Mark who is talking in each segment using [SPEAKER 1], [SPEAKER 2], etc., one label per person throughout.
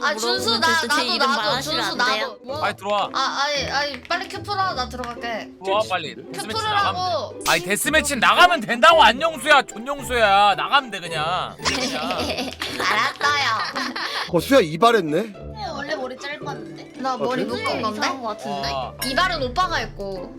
[SPEAKER 1] 준수
[SPEAKER 2] 물어보면 제 이름
[SPEAKER 1] 나도
[SPEAKER 2] 말하시면
[SPEAKER 1] 준수
[SPEAKER 2] 안 돼요?
[SPEAKER 1] 나도.
[SPEAKER 3] 빨리 들어와.
[SPEAKER 1] 아니 빨리 큐 풀어 나 들어갈게.
[SPEAKER 3] 들어와 빨리. 데스매치 나가면
[SPEAKER 1] 큐프르라고.
[SPEAKER 3] 돼. 아니 데스매치 나가면 된다고 안영수야 존영수야 나가면 돼 그냥.
[SPEAKER 1] 알았어요.
[SPEAKER 4] 수야 이발했네.
[SPEAKER 2] 원래 머리 짧았는데.
[SPEAKER 1] 나 머리
[SPEAKER 4] 그래?
[SPEAKER 1] 묶은 건데?
[SPEAKER 2] 이상한 거 같은데.
[SPEAKER 3] 와,
[SPEAKER 1] 이발은 오빠가 했고.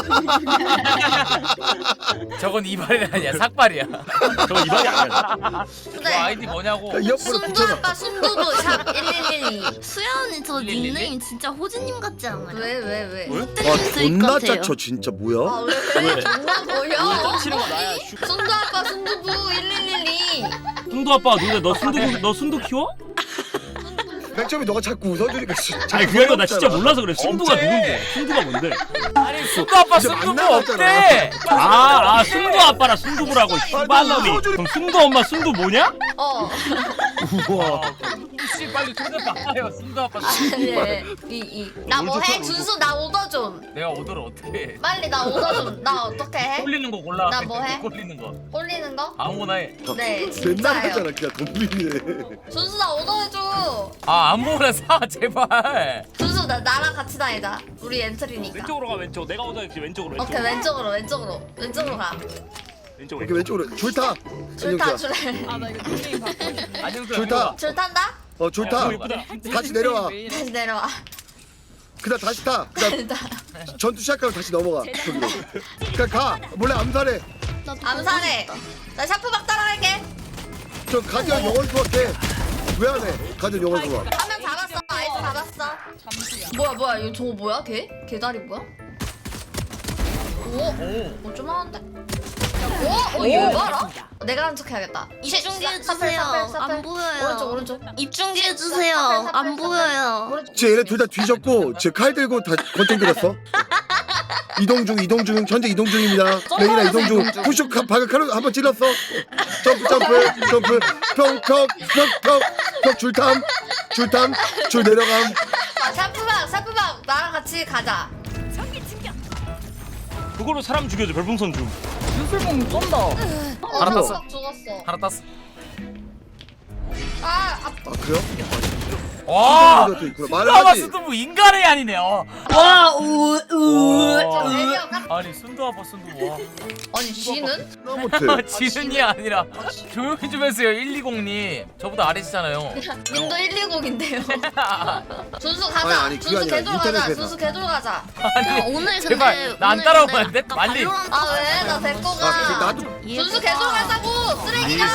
[SPEAKER 3] 저건 이발이 아니야 삭발이야.
[SPEAKER 5] 저 이발이 아니야.
[SPEAKER 3] 너
[SPEAKER 1] 근데
[SPEAKER 3] 아이디 뭐냐고.
[SPEAKER 4] 야, 옆으로
[SPEAKER 1] 순두
[SPEAKER 4] 붙여놔.
[SPEAKER 1] 아빠 순두부 샵 1112.
[SPEAKER 2] 수야 언니 저 닉네임 진짜 호진님 같지 않아요?
[SPEAKER 1] 왜?
[SPEAKER 5] 왜?
[SPEAKER 4] 와
[SPEAKER 2] 스윗
[SPEAKER 4] 존나
[SPEAKER 2] 같아요.
[SPEAKER 4] 짜쳐 진짜 뭐야?
[SPEAKER 1] 아 왜? 존나 보여?
[SPEAKER 5] 치는 거 나야.
[SPEAKER 1] 순두 아빠 순두부 1112.
[SPEAKER 5] 순두 아빠 근데 너 순두 키워?
[SPEAKER 4] 맨 처음에 너가 자꾸 웃어주니까
[SPEAKER 5] 아니 그게 아니라 나 진짜 몰라서 그래. 순두가
[SPEAKER 3] 없지.
[SPEAKER 5] 누군데? 순두가 뭔데?
[SPEAKER 3] 아니 순두 아빠
[SPEAKER 4] 진짜
[SPEAKER 3] 순두부
[SPEAKER 4] 만나봤잖아.
[SPEAKER 3] 없대.
[SPEAKER 5] 아 순두 아빠랑 순두부라고 씨발놈이. 그럼 순두 엄마 순두 뭐냐?
[SPEAKER 4] 우와.
[SPEAKER 3] 씨 빨리 손을 봐요 순두 아빠.
[SPEAKER 1] 나 뭐해? 준수 나 오더 좀.
[SPEAKER 3] 내가 오더를 어떻게 해?
[SPEAKER 1] 빨리 나 오더 좀. 나 어떻게 해?
[SPEAKER 3] 꼴리는 거 골라.
[SPEAKER 1] 나 뭐 해?
[SPEAKER 3] 꼴리는 거.
[SPEAKER 1] 꼴리는 거?
[SPEAKER 3] 아무거나 해.
[SPEAKER 1] 네
[SPEAKER 4] 맨날
[SPEAKER 1] 진짜예요.
[SPEAKER 4] 하잖아 그냥 돈비네.
[SPEAKER 1] 준수 나 오더 해줘.
[SPEAKER 3] 아 아무거나 사 제발.
[SPEAKER 1] 준수 나랑 같이 다니자. 우리 엔트리니까.
[SPEAKER 5] 왼쪽으로 가 왼쪽. 내가 오다 했지 왼쪽으로
[SPEAKER 1] 오케이 왼쪽으로 가.
[SPEAKER 5] 왼쪽으로.
[SPEAKER 4] 이렇게 왼쪽으로 줄 타.
[SPEAKER 1] 줄타 줄.
[SPEAKER 6] 아나 이거 닉네임 바꿔.
[SPEAKER 3] 안녕수
[SPEAKER 4] 좋다.
[SPEAKER 1] 줄 탄다?
[SPEAKER 4] 줄 타. 다시 내려와.
[SPEAKER 1] 다시 내려와.
[SPEAKER 4] 그다음 다시 타. 그다음 전투 시작하면 다시 넘어가. 저기로. 그냥 가. 몰래 암살해.
[SPEAKER 1] 암살해. 나 샤프박 따라갈게.
[SPEAKER 4] 저 가디언 영원 수학해. 왜 안 해? 가디언 영원 수학.
[SPEAKER 1] 한 명 잡았어. 아이스 잡았어.
[SPEAKER 6] 잠시야.
[SPEAKER 1] 뭐야 이거 저거 뭐야 걔? 개다리 뭐야? 오, 좀 하는데? 얘 봐라? 내가 한 척 해야겠다.
[SPEAKER 2] 입중계
[SPEAKER 1] 사플,
[SPEAKER 2] 해주세요.
[SPEAKER 1] 사플, 사플.
[SPEAKER 2] 안 보여요.
[SPEAKER 1] 오른쪽.
[SPEAKER 2] 입중계 해주세요. 안 보여요.
[SPEAKER 1] 오른쪽.
[SPEAKER 4] 쟤 얘네 둘 다 뒤졌고 쟤 칼 들고 다 권총 들었어. 이동 중 현재 이동 중입니다. 레이나 이동 중 푸시 방금 칼로 한번 찔렀어. 점프 평평 줄탐 줄 내려감.
[SPEAKER 1] 샤프박 나랑 같이 가자.
[SPEAKER 5] 그걸로 사람 죽여줘. 별풍선 줌.
[SPEAKER 6] 유술봉 쏜다.
[SPEAKER 3] 하나 땄어.
[SPEAKER 1] 죽었어.
[SPEAKER 3] 하나 땄어.
[SPEAKER 1] 아,
[SPEAKER 4] 아 그래요?
[SPEAKER 3] 와.
[SPEAKER 4] 이것도 있구나.
[SPEAKER 3] 순두아빠
[SPEAKER 4] 말하지.
[SPEAKER 3] 순두부 인간의 아니네. 와.
[SPEAKER 1] 저 내려 깜.
[SPEAKER 3] 아니 순두아빠 순두부. 와.
[SPEAKER 1] 아니 쥐는?
[SPEAKER 4] 나 못해.
[SPEAKER 3] 지은이 아니라 조용히 좀 해주세요 120님 저보다 아래시잖아요.
[SPEAKER 1] 님도 120인데요. 준수 가자.
[SPEAKER 4] 아니, 그게
[SPEAKER 1] 준수
[SPEAKER 4] 아니라
[SPEAKER 1] 개돌 가자.
[SPEAKER 4] 인터넷에서.
[SPEAKER 1] 준수 개돌 가자.
[SPEAKER 3] 아니
[SPEAKER 2] 오늘 근데
[SPEAKER 3] 제발 나 안 따라오면 안 돼? 빨리.
[SPEAKER 1] 아 왜? 나 데리고
[SPEAKER 4] 아
[SPEAKER 1] 가.
[SPEAKER 4] 나도
[SPEAKER 1] 준수 개돌 가자고 쓰레기야.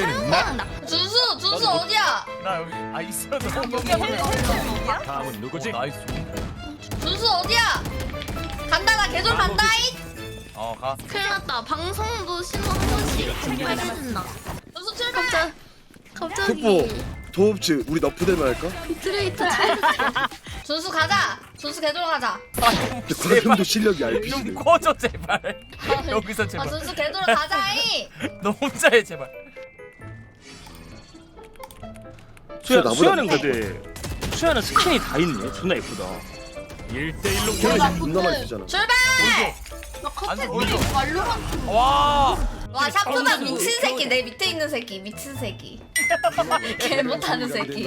[SPEAKER 1] 준수 어디야?
[SPEAKER 3] 나 여기 아 있어도
[SPEAKER 5] 다음은 누구지?
[SPEAKER 3] 나이스.
[SPEAKER 1] 준수 어디야? 간다 나 개돌 간다이.
[SPEAKER 3] 가.
[SPEAKER 2] 큰일 났다. 방송도 신호 한 번씩 공개해준다.
[SPEAKER 1] 준수 출발.
[SPEAKER 2] 갑자기
[SPEAKER 4] 족보 도읍지 우리 너프대만 할까?
[SPEAKER 2] 비트레이터
[SPEAKER 1] 준수 가자. 준수 개돌 가자.
[SPEAKER 4] 근데 과금도 실력이 RPG네.
[SPEAKER 3] 좀 꺼져 제발. 여기서
[SPEAKER 1] 아
[SPEAKER 3] 제발.
[SPEAKER 1] 준수 개돌 가자이.
[SPEAKER 3] 너 혼자 해 제발.
[SPEAKER 4] 나보다
[SPEAKER 5] 수야는 근데 수야는 스킨이 다 있네. 존나 예쁘다. 1대1로
[SPEAKER 4] 걔는 존나 많이 쓰잖아.
[SPEAKER 1] 출발.
[SPEAKER 3] 안돼 보여줘. 와.
[SPEAKER 1] 와 샤프박 미친 새끼 내 밑에 있는 새끼 미친 새끼. 개 못하는 새끼.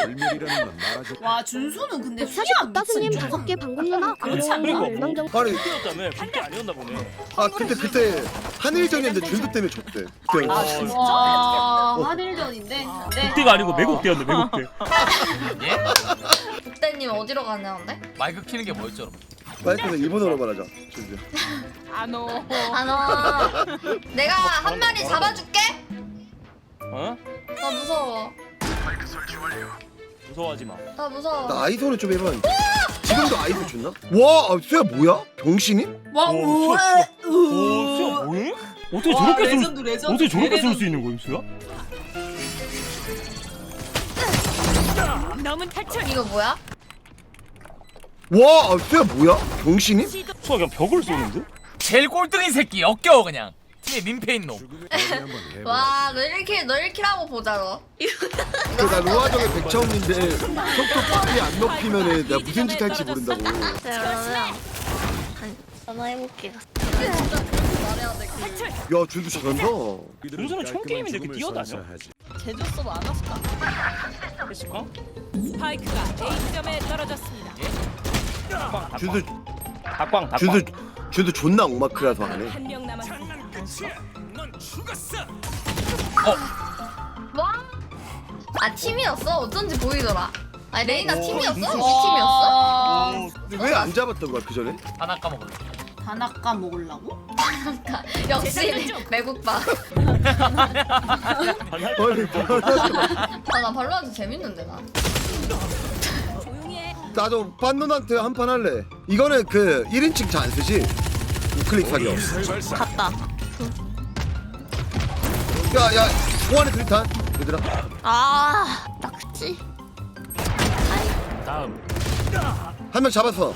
[SPEAKER 6] 와 준수는 근데
[SPEAKER 7] 사실
[SPEAKER 6] 수야
[SPEAKER 7] 따스님
[SPEAKER 6] 미친
[SPEAKER 7] 5개 방금님아
[SPEAKER 6] 그렇지 않나?
[SPEAKER 5] 그리고
[SPEAKER 7] 멸망정
[SPEAKER 4] 아니
[SPEAKER 5] 그때였다며. 그때 아니었나 보네.
[SPEAKER 4] 아 그때 한일전이었는데 줄도 때문에 졌대. 그때
[SPEAKER 6] 아 진짜? 와 한일전인데. 네.
[SPEAKER 5] 그때가 아니고 매국대였네. 매국대.
[SPEAKER 3] 예?
[SPEAKER 1] 국대님 어디로 가냐는데?
[SPEAKER 3] 마이크 키는 게 뭐였죠? 여러분?
[SPEAKER 4] 마이크에서 일본어로 말하자. 저기요.
[SPEAKER 6] 안오.
[SPEAKER 1] 안와. 내가 한 마리 잡아줄게.
[SPEAKER 5] 어?
[SPEAKER 1] 나 무서워.
[SPEAKER 5] 무서워하지 마.
[SPEAKER 1] 나 무서워.
[SPEAKER 4] 나 아이소는 좀 해봤는데. 지금도 아이소 줬나? 와, 수야 뭐야? 병신이?
[SPEAKER 6] 와
[SPEAKER 5] 오,
[SPEAKER 6] 우와.
[SPEAKER 5] 오, 수야 뭐해? 어떻게 저렇게 쓸 어떻게 저렇게 쓸 수 있는 거임 수야?
[SPEAKER 1] 이거 뭐야?
[SPEAKER 4] 와, 수야 뭐야? 병신이?
[SPEAKER 5] 수야 그냥 벽을 쏘는데?
[SPEAKER 3] 제일 꼴등인 새끼 역겨워 그냥. 팀에 민폐인 놈.
[SPEAKER 1] 와, 너 1킬 하고 보자 너.
[SPEAKER 4] 나 로아정의 백차원인데 속도 빨리 안 높이면은 내가 무슨 짓 할지 모른다고.
[SPEAKER 2] 그러면 전화해볼게요.
[SPEAKER 1] 진짜 그렇게 말해.
[SPEAKER 4] 야 준수 잘한다.
[SPEAKER 5] 준수는 총 게임인데 이렇게 뛰어다녀?
[SPEAKER 6] 제주도 많았을까?
[SPEAKER 5] 했을까?
[SPEAKER 7] 스파이크가 A점에 떨어졌습니다.
[SPEAKER 4] 준수
[SPEAKER 5] 닭광
[SPEAKER 4] 준수 존나 옥마크라서 안 해.
[SPEAKER 7] 한 명 남았습니다.
[SPEAKER 1] 아 팀이었어? 어쩐지 보이더라. 아니 레이나 팀이었어? 우리 팀이었어?
[SPEAKER 4] 근데 왜 안 잡았던 거야 그 전에?
[SPEAKER 3] 하나 까먹을래.
[SPEAKER 6] 단아까 먹으려고?
[SPEAKER 1] 역시 매국밥.
[SPEAKER 4] 아니
[SPEAKER 1] 아나 발로한테 재밌는데 나.
[SPEAKER 4] 나도 빤논한테 한 판 할래. 이거는 그 1인칭 잘 안 쓰지? 우클릭 사격.
[SPEAKER 2] 갔다.
[SPEAKER 4] 야야 공안에 들탄 얘들아.
[SPEAKER 2] 아, 낙지.
[SPEAKER 5] 다음
[SPEAKER 4] 한 명 잡았어.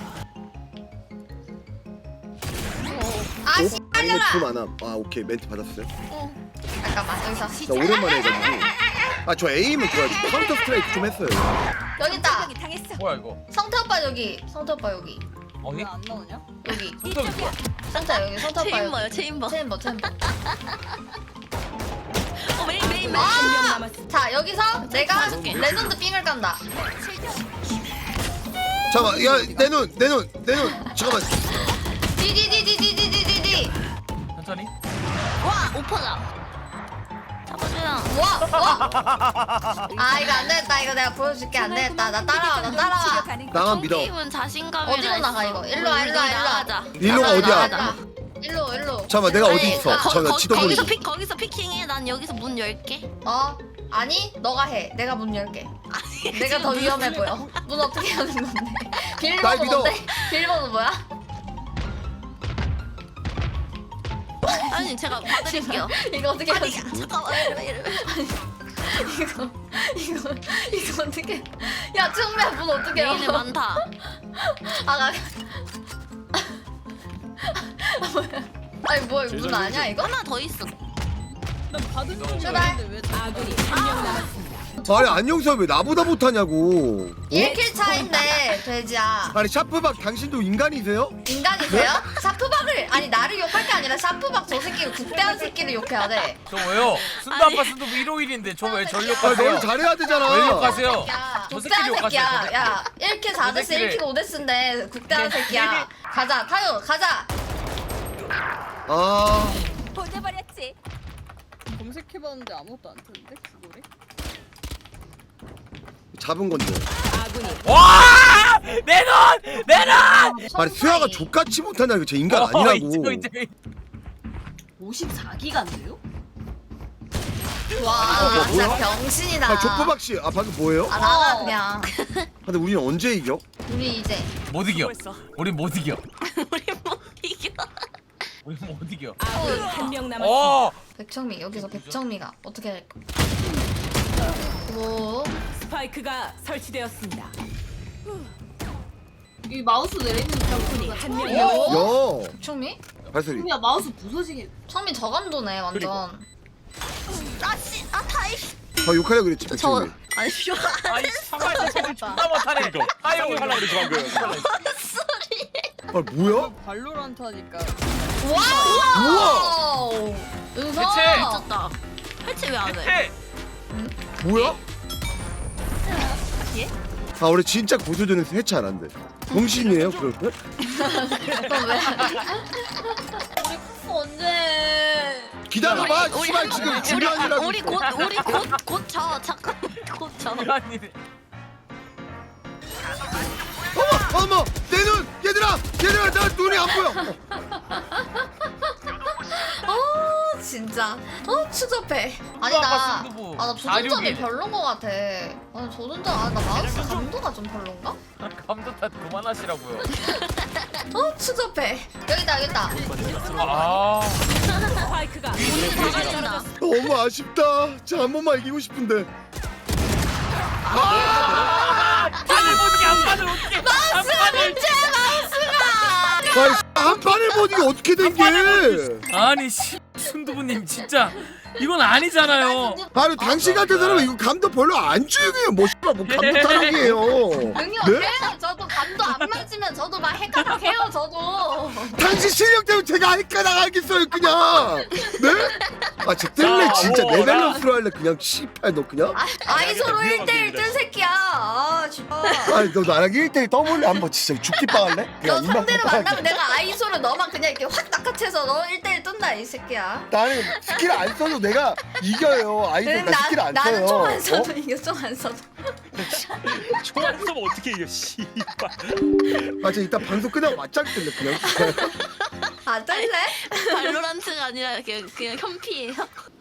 [SPEAKER 1] 아씨
[SPEAKER 4] 이거 좀 많아. 아 오케이 멘트 받았어요.
[SPEAKER 1] 잠깐만 여기서.
[SPEAKER 4] 나 오랜만에 해가지고. 아 저 에임은 좋아요. 저 카운터 스트라이크 좀 했어요.
[SPEAKER 1] 여기 있다.
[SPEAKER 3] 뭐야 이거?
[SPEAKER 1] 성태 오빠 여기. 성태 오빠 여기.
[SPEAKER 3] 어디?
[SPEAKER 6] 안 나오냐?
[SPEAKER 1] 여기.
[SPEAKER 3] 손톱 있어.
[SPEAKER 1] 성태 여기. 성태 오빠
[SPEAKER 2] 체인버요,
[SPEAKER 1] 여기.
[SPEAKER 2] 체인버.
[SPEAKER 1] 체인버 체인버.
[SPEAKER 2] 메인.
[SPEAKER 7] 한 명
[SPEAKER 1] 아!
[SPEAKER 7] 남았습니다.
[SPEAKER 1] 자 여기서 내가
[SPEAKER 2] 가줄게.
[SPEAKER 1] 레전드 삥을 깐다.
[SPEAKER 4] 잠깐만 야내 눈 잠깐만.
[SPEAKER 1] 디디디디디디디디.
[SPEAKER 3] 천천히.
[SPEAKER 2] 와, 오퍼다. 잡아줘요.
[SPEAKER 1] 와. 아 이거 안 되겠다. 이거 내가 보여줄게. 안 되겠다. 나 따라와. 나 따라와.
[SPEAKER 4] 나만 믿어.
[SPEAKER 2] 게임은 자신감이
[SPEAKER 1] 어디로 나가 이거? 일로 와. 일로 와. 일로 와.
[SPEAKER 2] 나가자.
[SPEAKER 4] 일로가
[SPEAKER 1] 나가,
[SPEAKER 4] 어디야?
[SPEAKER 1] 나가. 일로.
[SPEAKER 4] 잠깐만 내가 어디
[SPEAKER 1] 아니,
[SPEAKER 4] 있어?
[SPEAKER 1] 나-
[SPEAKER 4] 잠깐만 지도 보니.
[SPEAKER 2] 거기서 피킹해. 난 여기서 문 열게.
[SPEAKER 1] 아니 너가 해. 내가 문 열게. 내가 더 위험해 보여. 문 어떻게 하는 건데?
[SPEAKER 4] 날
[SPEAKER 1] 비밀번호
[SPEAKER 4] 믿어.
[SPEAKER 1] 뭔데? 비밀번호 뭐야?
[SPEAKER 2] 아니, 제가 봐드릴게요.
[SPEAKER 1] 이거 어떻게 하는 거야?
[SPEAKER 2] 잠깐만.
[SPEAKER 1] 이거 어떻게? 야 청매야 문 어떻게
[SPEAKER 2] 메인에
[SPEAKER 1] 열어?
[SPEAKER 2] 많다.
[SPEAKER 1] 아 아니 뭐야 문 아니야 이거?
[SPEAKER 2] 하나 더 있어.
[SPEAKER 6] 난 받은 줄
[SPEAKER 1] 출발.
[SPEAKER 6] 알았는데 왜
[SPEAKER 7] 아군이 한 명 남았습니다.
[SPEAKER 4] 아니 안녕사 왜 나보다 못하냐고.
[SPEAKER 1] 1킬 차인데 돼지야.
[SPEAKER 4] 아니 샤프박 당신도 인간이세요?
[SPEAKER 1] 인간이세요? 샤프박을 아니 나를 욕할 게 아니라 샤프박 저 새끼를 국대한 새끼를 욕해야 돼.
[SPEAKER 3] 저 왜요? 순도 아빠 순도 일요일인데 저 왜 전
[SPEAKER 4] 아
[SPEAKER 3] 욕하세요?
[SPEAKER 4] 너는 잘해야 되잖아.
[SPEAKER 3] 왜 욕하세요?
[SPEAKER 1] 야,
[SPEAKER 3] 저
[SPEAKER 1] 국대한
[SPEAKER 3] 새끼를
[SPEAKER 1] 새끼야.
[SPEAKER 3] 욕하세요.
[SPEAKER 1] 야, 1킬 4데스,
[SPEAKER 3] 새끼를.
[SPEAKER 1] 1킬 5데스인데 국대한 새끼야. 가자, 타요, 가자.
[SPEAKER 4] 아
[SPEAKER 7] 보내버렸지.
[SPEAKER 6] 검색해봤는데 아무것도 안 뜨는데 그거래?
[SPEAKER 4] 잡은 건데.
[SPEAKER 7] 아군이
[SPEAKER 3] 와! 내 눈! 내 눈!
[SPEAKER 4] 아니 수야가 족같이 못하냐 이거 제 인간 아니라고.
[SPEAKER 3] 이제.
[SPEAKER 6] 54기가인데요?
[SPEAKER 1] 와, 진짜
[SPEAKER 4] 뭐야?
[SPEAKER 1] 병신이다.
[SPEAKER 4] 아 족보박 씨, 아 방금 뭐예요?
[SPEAKER 1] 아, 나가 그냥.
[SPEAKER 4] 근데 우리는 언제 이겨?
[SPEAKER 1] 우리 이제
[SPEAKER 3] 못 이겨. 우리 못 이겨.
[SPEAKER 2] 우리 못 이겨.
[SPEAKER 3] 우리 못 이겨.
[SPEAKER 7] 아군이 한 명 남았습니다.
[SPEAKER 3] 어!
[SPEAKER 1] 백청미 여기서 백청미가 어떻게 할까? 오,
[SPEAKER 7] 스파이크가 설치되었습니다.
[SPEAKER 6] 이 마우스 내리는
[SPEAKER 7] 적군이
[SPEAKER 6] 거
[SPEAKER 7] 한 명.
[SPEAKER 1] 야,
[SPEAKER 4] 야
[SPEAKER 1] 백청미?
[SPEAKER 4] 발소리.
[SPEAKER 6] 야 마우스 부서지게.
[SPEAKER 1] 청미 저감도네 완전.
[SPEAKER 2] 아씨, 다이씨.
[SPEAKER 4] 아 욕하려 그랬지
[SPEAKER 2] 저
[SPEAKER 4] 백종민.
[SPEAKER 2] 아니 쇼.
[SPEAKER 3] 아이 참말 좀 존나 못하네. 아유
[SPEAKER 5] 하려고 그러지 방금.
[SPEAKER 2] 소리.
[SPEAKER 4] 아 뭐야?
[SPEAKER 6] 발로란트 하니까
[SPEAKER 1] 와우! 은서!
[SPEAKER 3] 대체!
[SPEAKER 2] 미쳤다. 해체 왜 안 해?
[SPEAKER 4] 뭐야?
[SPEAKER 2] 예?
[SPEAKER 4] 아 우리 진짜 고수전에서 해체 안 한대. 공신이에요 그럴 때?
[SPEAKER 1] 그럼 왜? 우리 쿠 언제?
[SPEAKER 4] 기다려봐. 씨발 지금 중요한 일 하고
[SPEAKER 2] 우리
[SPEAKER 4] 있어.
[SPEAKER 2] 곧 저. 잠깐 곧 저.
[SPEAKER 3] 이런 일이.
[SPEAKER 4] 어머 내 눈 얘들아 나 눈이 안 보여.
[SPEAKER 1] 진짜 추접해. 아니
[SPEAKER 3] 아빠
[SPEAKER 1] 나
[SPEAKER 3] 승부부.
[SPEAKER 1] 나 조준점이
[SPEAKER 3] 461.
[SPEAKER 1] 별론 거 같아. 아니 조준점 나 마우스 감도가 좀 별론가?
[SPEAKER 3] 감도 탓 그만하시라고요.
[SPEAKER 1] 추접해. 여기다.
[SPEAKER 3] 아.
[SPEAKER 7] 스파이크가
[SPEAKER 2] 떨어진다.
[SPEAKER 4] 너무 아쉽다. 진짜 한 번만 이기고 싶은데.
[SPEAKER 3] 판을 못 이겨 한 판을 어떻게?
[SPEAKER 4] 아니 한 판을 못 이게 어떻게 된 게?
[SPEAKER 3] 아니 씨 순두부님 진짜
[SPEAKER 5] 이건 아니잖아요.
[SPEAKER 4] 아니 당신 같은 사람은 이거 감도 별로 안 중요해요. 뭐 씨발 뭐 감도 타령이에요.
[SPEAKER 1] 능력해요. 저도 감도 안 맞으면 저도 막 헷갈려해요. 저도.
[SPEAKER 4] 당신 실력 때문에 제가 헷갈나가겠어요 그냥. 네? 아 저 뜰래 진짜
[SPEAKER 5] 자,
[SPEAKER 4] 내 밸런스로 할래 그냥 씨발 너 그냥.
[SPEAKER 1] 아이소로 1대1 뜬 새끼야. 아 진짜.
[SPEAKER 4] 아니 너 나랑 1대1 떠볼래 한번 진짜 죽기 빵할래?
[SPEAKER 1] 너 상대를 만나면 내가 아이소로 너만 그냥 이렇게 확 낚아채서 너 1대1 뜬다 이 새끼야.
[SPEAKER 4] 나는 스킬 안 써도 내가 이겨요. 아이들 나 스킬 안 써요.
[SPEAKER 1] 나는 총 안 써도 이겨. 총 안 써도.
[SPEAKER 5] 총안 쏘면 어떻게 이겨 씨발.
[SPEAKER 4] 맞아 이따 방송 끝나고 맞짱 뜰래 그냥.
[SPEAKER 1] 안 뜰래?
[SPEAKER 2] 발로란트가 아니라 그냥 현피예요.